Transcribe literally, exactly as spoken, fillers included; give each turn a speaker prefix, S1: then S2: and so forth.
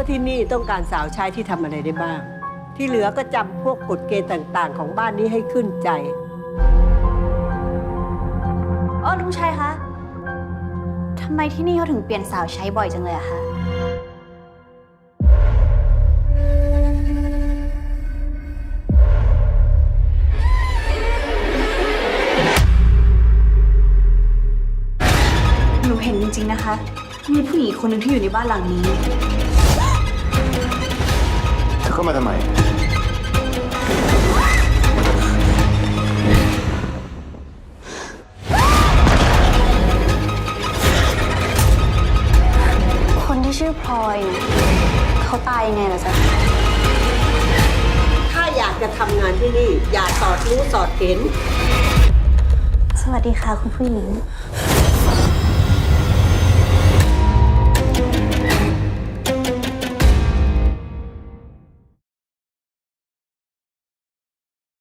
S1: ว่าที่นี่ต้องการสาวใช้ที่ทำอะไรได้บ้าง ที่เหลือก็จำพวกกฎเกณฑ์ต่างๆ ของบ้านนี้ให้ขึ้นใจ
S2: อ๋อลุงชัยคะทำไมที่นี่เขาถึงเปลี่ยนสาวใช้บ่อยจังเลยอะคะหนูเห็นจริงๆนะคะ มีผู้หญิงคนหนึ่งที่อยู่ในบ้านหลังนี้
S3: เธอเข้ามาทำไม
S2: คนที่ชื่อพลอยเนี่ยเขาตายยังไงล่ะจ๊ะ
S1: ถ้าอยากจะทำงานที่นี่ อย่าสอดรู้สอดเห็น
S2: สวัสดีค่ะคุณผู้หญิง